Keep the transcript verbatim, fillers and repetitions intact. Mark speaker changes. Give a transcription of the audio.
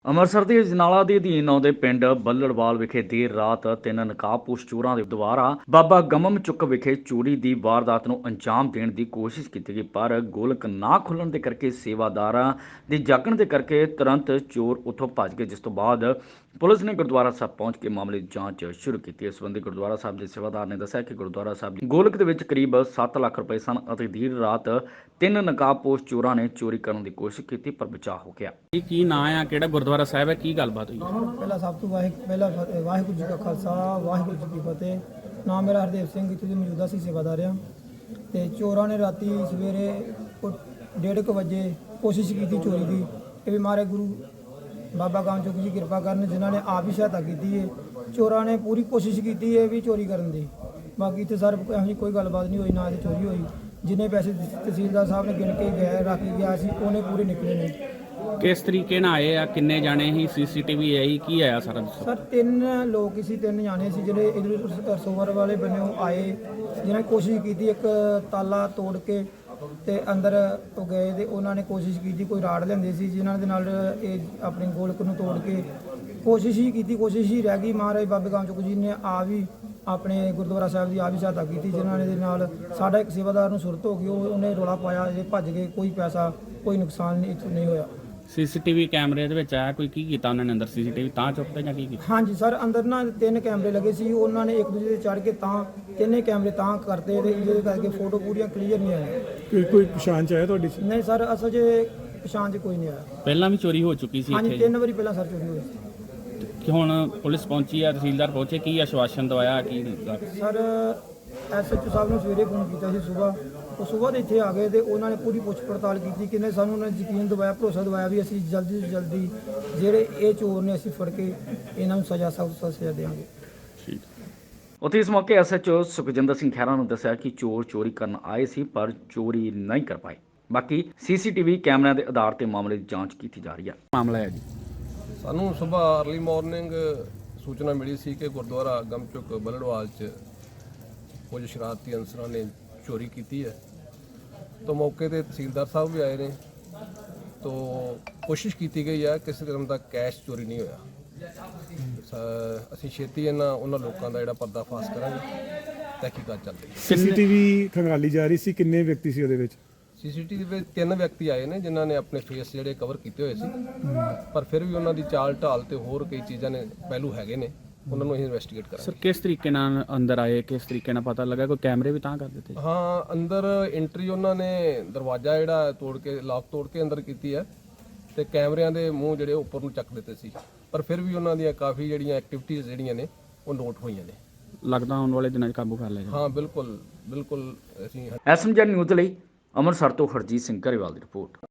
Speaker 1: ਅੰਮ੍ਰਿਤਸਰ ਦੇ ਅਜਨਾਲਾ ਦੇ ਅਧੀਨ ਆਉਂਦੇ ਪਿੰਡ ਬੱਲੜਵਾਲ ਵਿਖੇ ਦੇਰ ਰਾਤ ਤਿੰਨ ਨਕਾਬਪੋਸ਼ ਚੋਰਾਂ ਦੇ ਦੁਆਰਾ ਬਾਬਾ ਗਮਮ ਚੁੱਕ ਵਿਖੇ ਚੋਰੀ ਦੀ ਵਾਰਦਾਤ ਨੂੰ ਅੰਜਾਮ ਦੇਣ ਦੀ ਕੋਸ਼ਿਸ਼ ਕੀਤੀ ਗਈ, ਪਰ ਗੋਲਕ ਨਾ ਖੁੱਲਣ ਦੇ ਕਰਕੇ ਸੇਵਾਦਾਰਾਂ ਦੇ ਜਾਗਣ ਦੇ ਕਰਕੇ ਤੁਰੰਤ ਚੋਰ ਉੱਥੋਂ ਭੱਜ ਗਏ, ਜਿਸ ਤੋਂ ਬਾਅਦ ਪੁਲਿਸ ਨੇ ਗੁਰਦੁਆਰਾ ਸਾਹਿਬ ਪਹੁੰਚ ਕੇ ਮਾਮਲੇ ਦੀ ਜਾਂਚ ਸ਼ੁਰੂ ਕੀਤੀ। ਇਸ ਸੰਬੰਧੀ ਗੁਰਦੁਆਰਾ ਸਾਹਿਬ ਦੇ ਸੇਵਾਦਾਰ ਨੇ ਦੱਸਿਆ ਕਿ ਗੁਰਦੁਆਰਾ ਸਾਹਿਬ ਦੀ ਗੋਲਕ ਦੇ ਵਿੱਚ ਕਰੀਬ ਸੱਤ ਲੱਖ ਰੁਪਏ ਸਨ ਅਤੇ ਦੇਰ ਰਾਤ ਤਿੰਨ ਨਕਾਬਪੋਸ਼ ਚੋਰਾਂ ਨੇ ਚੋਰੀ ਕਰਨ ਦੀ ਕੋਸ਼ਿਸ਼ ਕੀਤੀ, ਪਰ ਬਚਾਅ ਹੋ ਗਿਆ।
Speaker 2: ਇਹ ਕੀ ਨਾਂ ਆ, ਕਿਹੜਾ ਗੁਰਦੁਆਰਾ ਸਾਹਿਬ ਹੈ, ਕੀ ਗੱਲਬਾਤ ਹੋਈ?
Speaker 3: ਪਹਿਲਾਂ ਸਭ ਤੋਂ ਵਾਹਿ ਪਹਿਲਾ ਫਤਿਹ ਵਾਹਿਗੁਰੂ ਜੀ ਕਾ ਖਾਲਸਾ ਵਾਹਿਗੁਰੂ ਜੀ ਕੀ ਫਤਿਹ। ਨਾਮ ਮੇਰਾ ਹਰਦੇਵ ਸਿੰਘ, ਇੱਥੇ ਦੇ ਮੌਜੂਦਾ ਸੀ ਸੇਵਾਦਾਰ ਆ। ਤੇ ਚੋਰਾਂ ਨੇ ਰਾਤੀ ਸਵੇਰੇ ਡੇਢ ਕੁ ਵਜੇ ਕੋਸ਼ਿਸ਼ ਕੀਤੀ ਚੋਰੀ ਦੀ। ਇਹ ਵੀ ਮਾਰੇ ਗੁਰੂ ਬਾਬਾ ਗਮਮ ਚੁੱਕ ਜੀ ਕਿਰਪਾ ਕਰਨ, ਜਿਨ੍ਹਾਂ ਨੇ ਆਪ ਹੀ ਸਹਾਇਤਾ ਕੀਤੀ ਹੈ। ਚੋਰਾਂ ਨੇ ਪੂਰੀ ਕੋਸ਼ਿਸ਼ ਕੀਤੀ ਹੈ ਵੀ ਚੋਰੀ ਕਰਨ ਦੀ। ਬਾਕੀ ਇੱਥੇ ਸਰ ਇਹੋ ਜਿਹੀ ਕੋਈ ਗੱਲਬਾਤ ਨਹੀਂ ਹੋਈ, ਨਾ ਇਹ ਚੋਰੀ ਹੋਈ। ਜਿੰਨੇ ਪੈਸੇ ਤਹਿਸੀਲਦਾਰ ਸਾਹਿਬ ਨੇ ਗਿਣ ਕੇ ਗਏ ਰੱਖ ਕੇ ਗਿਆ ਸੀ, ਉਹਨੇ ਪੂਰੇ ਨਿਕਲੇ ਨੇ।
Speaker 2: ਕਿਸ ਤਰੀਕੇ ਨਾਲ ਆਏ ਆ, ਕਿੰਨੇ ਜਾਣੇ ਸੀ, ਸੀਸੀਟੀਵੀ ਆਈ, ਕੀ ਆਇਆ ਸਾਰਾ ਦੱਸੋ।
Speaker 3: ਸਰ ਤਿੰਨ ਲੋਕ ਸੀ, ਤਿੰਨ ਜਾਣੇ ਸੀ ਜਿਹੜੇ ਇਧਰ ਰਸੋਵਰ ਵਾਲੇ ਬੰਨਿਓ ਆਏ, ਜਿਨ੍ਹਾਂ ਨੇ ਕੋਸ਼ਿਸ਼ ਕੀਤੀ ਇੱਕ ਤਾਲਾ ਤੋੜ ਕੇ ਤੇ ਅੰਦਰ ਉਹ ਗਏ ਤੇ ਉਹਨਾਂ ਨੇ ਕੋਸ਼ਿਸ਼ ਕੀਤੀ, ਕੋਈ ਰਾੜ ਲੈਂਦੇ ਸੀ ਜਿਨ੍ਹਾਂ ਦੇ ਨਾਲ ਇਹ ਆਪਣੇ ਗੋਲਕ ਨੂੰ ਤੋੜ ਕੇ ਕੋਸ਼ਿਸ਼ ਹੀ ਕੀਤੀ, ਕੋਸ਼ਿਸ਼ ਹੀ ਰਹਿ ਗਈ। ਮਹਾਰਾਜ ਬਾਬੇ ਗਮਮ ਚੁੱਕ ਜੀ ਨੇ ਆ ਵੀ ਆਪਣੇ ਗੁਰਦੁਆਰਾ ਸਾਹਿਬ ਦੀ ਆ ਵੀ ਸਹਾਇਤਾ ਕੀਤੀ, ਜਿਨ੍ਹਾਂ ਨੇ ਦੇ ਨਾਲ ਸਾਡਾ ਇੱਕ ਸੇਵਾਦਾਰ ਨੂੰ ਸੁਰਤ ਹੋ ਗਈ, ਉਹ ਉਹਨੇ ਰੌਲਾ ਪਾਇਆ, ਇਹ ਭੱਜ ਗਏ, ਕੋਈ ਪੈਸਾ ਕੋਈ ਨੁਕਸਾਨ ਨਹੀਂ ਇੱਥੋਂ ਨਹੀਂ ਹੋਇਆ।
Speaker 2: ਸੀਸੀਟੀਵੀ ਕੈਮਰੇ ਦੇ ਵਿੱਚ ਆਇਆ ਕੋਈ, ਕੀ ਕੀਤਾ ਉਹਨਾਂ ਨੇ ਅੰਦਰ? ਸੀਸੀਟੀਵੀ ਤਾਂ ਚੁੱਕਦੇ ਜਾਂ ਕੀ ਕੀਤਾ?
Speaker 3: ਹਾਂਜੀ ਸਰ, ਅੰਦਰ ਨਾ ਤਿੰਨ ਕੈਮਰੇ ਲੱਗੇ ਸੀ, ਉਹਨਾਂ ਨੇ ਇੱਕ ਦੂਜੇ ਤੇ ਚੜ੍ਹ ਕੇ ਤਾਂ ਤਿੰਨੇ ਕੈਮਰੇ ਤਾਂ ਕਰਤੇ ਤੇ ਜਿਹਦੇ ਕਰਕੇ ਫੋਟੋ ਪੂਰੀਆਂ ਕਲੀਅਰ ਨਹੀਂ ਆਈਆਂ।
Speaker 4: ਕੋਈ ਕੋਈ ਪਛਾਣ ਚ ਆਇਆ ਤੁਹਾਡੀ?
Speaker 3: ਨਹੀਂ ਸਰ, ਅਸਲ 'ਚ ਪਛਾਣ 'ਚ ਕੋਈ ਨਹੀਂ ਆਇਆ।
Speaker 2: ਪਹਿਲਾਂ ਵੀ ਚੋਰੀ ਹੋ ਚੁੱਕੀ ਸੀ
Speaker 3: ਹਾਂਜੀ
Speaker 2: ਇੱਥੇ?
Speaker 3: ਤਿੰਨ ਵਾਰੀ ਪਹਿਲਾਂ ਸਰ ਚੋਰੀ ਹੋਈ ਸੀ।
Speaker 2: ਕਿ ਹੁਣ ਪੁਲਿਸ ਪਹੁੰਚੀ ਆ, ਤਹਿਸੀਲਦਾਰ ਪਹੁੰਚੇ, ਕੀ ਆਸ਼ਵਾਸਨ ਦਵਾਇਆ, ਕੀ
Speaker 3: ਸਰ ਐਸਐਚਓ ਸਾਹਿਬ ਨੂੰ ਸਵੇਰੇ ਫੋਨ ਕੀਤਾ ਸੀ ਸੁਬਾਹ, ਉਹ ਸੁਬਾਹ ਦੇ ਇੱਥੇ ਆ ਗਏ ਤੇ ਉਹਨਾਂ ਨੇ ਪੂਰੀ ਪੁੱਛ ਪੜਤਾਲ ਕੀਤੀ, ਕਿਨੇ ਸਾਨੂੰ ਉਹਨਾਂ ਨੇ ਯਕੀਨ ਦਿਵਾਇਆ, ਭਰੋਸਾ ਦਿਵਾਇਆ ਵੀ ਅਸੀਂ ਜਲਦੀ ਤੋਂ ਜਲਦੀ ਜਿਹੜੇ ਇਹ ਚੋਰ ਨੇ ਅਸੀਂ ਫੜ ਕੇ ਇਹਨਾਂ ਨੂੰ ਸਜ਼ਾ ਸਖਤ ਸਜ਼ਾ ਦੇਵਾਂਗੇ।
Speaker 2: ਠੀਕ।
Speaker 1: ਉੱਥੇ ਇਸ ਮੌਕੇ ਐਸਐਚਓ ਸੁਖਜਿੰਦਰ ਸਿੰਘ ਖਹਿਰਾ ਨੇ ਦੱਸਿਆ ਕਿ ਚੋਰ ਚੋਰੀ ਕਰਨ ਆਏ ਸੀ, ਪਰ ਚੋਰੀ ਨਹੀਂ ਕਰ ਪਾਏ। ਬਾਕੀ ਸੀਸੀਟੀਵੀ ਕੈਮਰਿਆਂ ਦੇ ਆਧਾਰ ਤੇ ਮਾਮਲੇ ਦੀ ਜਾਂਚ ਕੀਤੀ ਜਾ ਰਹੀ ਹੈ।
Speaker 2: ਮਾਮਲਾ ਹੈ ਜੀ,
Speaker 5: ਸਾਨੂੰ ਸਵੇਰ ਅਰਲੀ ਮਾਰਨਿੰਗ ਸੂਚਨਾ ਮਿਲੀ ਸੀ ਕਿ ਗੁਰਦੁਆਰਾ ਗਮਮ ਚੁੱਕ ਬੱਲੜਵਾਲ 'ਚ ਕੁਝ ਸ਼ਰਾਰਤੀ ਅਨਸਰਾਂ ਨੇ ਚੋਰੀ ਕੀਤੀ ਹੈ। ਤੋਂ ਮੌਕੇ ਤੇ ਤਹਿਸੀਲਦਾਰ ਸਾਹਿਬ ਵੀ ਆਏ ਨੇ, ਤੋਂ ਕੋਸ਼ਿਸ਼ ਕੀਤੀ ਗਈ ਹੈ ਕਿਸੇ ਕਿਸਮ ਦਾ ਕੈਸ਼ ਚੋਰੀ ਨਹੀਂ ਹੋਇਆ। ਅਸੀਂ ਛੇਤੀ ਇਹਨਾਂ ਉਹਨਾਂ ਲੋਕਾਂ ਦਾ ਜਿਹੜਾ ਪਰਦਾਫਾਸ਼ ਕਰਾਂਗੇ, ਤਹਿਕੀਕਾਤ ਚੱਲ ਰਹੀ ਹੈ।
Speaker 4: ਸੀਸੀਟੀਵੀ ਖੰਗਾਲੀ ਜਾ ਰਹੀ ਸੀ, ਕਿੰਨੇ ਵਿਅਕਤੀ ਸੀ ਉਹਦੇ ਵਿੱਚ?
Speaker 5: ਸੀਸੀਟੀਵੀ ਵਿੱਚ ਤਿੰਨ ਵਿਅਕਤੀ ਆਏ ਨੇ ਜਿਨ੍ਹਾਂ ਨੇ ਆਪਣੇ ਫੇਸ ਜਿਹੜੇ ਕਵਰ ਕੀਤੇ ਹੋਏ ਸੀ, ਪਰ ਫਿਰ ਵੀ ਉਹਨਾਂ ਦੀ ਚਾਲ ਢਾਲ ਤੇ ਹੋਰ ਕਈ ਚੀਜ਼ਾਂ ਨੇ ਪਹਿਲੂ ਹੈਗੇ ਨੇ, ਉਹਨਾਂ ਨੂੰ ਅਸੀਂ ਇਨਵੈਸਟੀਗੇਟ ਕਰਾਂਗੇ।
Speaker 2: ਸਰ ਕਿਸ ਤਰੀਕੇ ਨਾਲ ਅੰਦਰ ਆਏ, ਕਿਸ ਤਰੀਕੇ ਨਾਲ ਪਤਾ ਲੱਗਾ? ਕੋਈ ਕੈਮਰੇ ਵੀ ਤਾਂ ਕਰ ਦਿੱਤੇ?
Speaker 5: ਹਾਂ, ਅੰਦਰ ਐਂਟਰੀ ਉਹਨਾਂ ਨੇ ਦਰਵਾਜ਼ਾ ਜਿਹੜਾ ਤੋੜ ਕੇ, ਲੌਕ ਤੋੜ ਕੇ ਅੰਦਰ ਕੀਤੀ ਹੈ ਤੇ ਕੈਮਰਿਆਂ ਦੇ ਮੂੰਹ ਜਿਹੜੇ ਉੱਪਰ ਨੂੰ ਚੱਕ ਦਿੱਤੇ ਸੀ, ਪਰ ਫਿਰ ਵੀ ਉਹਨਾਂ ਦੀਆਂ ਕਾਫੀ ਜਿਹੜੀਆਂ ਐਕਟੀਵਿਟੀਜ਼ ਜਿਹੜੀਆਂ ਨੇ ਉਹ ਨੋਟ ਹੋਈਆਂ ਨੇ।
Speaker 2: ਲੱਗਦਾ ਆਉਣ ਵਾਲੇ ਦਿਨਾਂ 'ਚ ਕਾਬੂ ਕਰ ਲਿਆ ਜਾਵੇ।
Speaker 5: ਹਾਂ ਬਿਲਕੁਲ ਬਿਲਕੁਲ। ਅਸੀਂ
Speaker 1: ਐਸਐਮਜੀ ਨਿਊਜ਼ ਲਈ ਅੰਮ੍ਰਿਤਸਰ ਤੋਂ ਹਰਜੀਤ ਸਿੰਘ ਘਰੇਵਾਲ ਦੀ ਰਿਪੋਰਟ।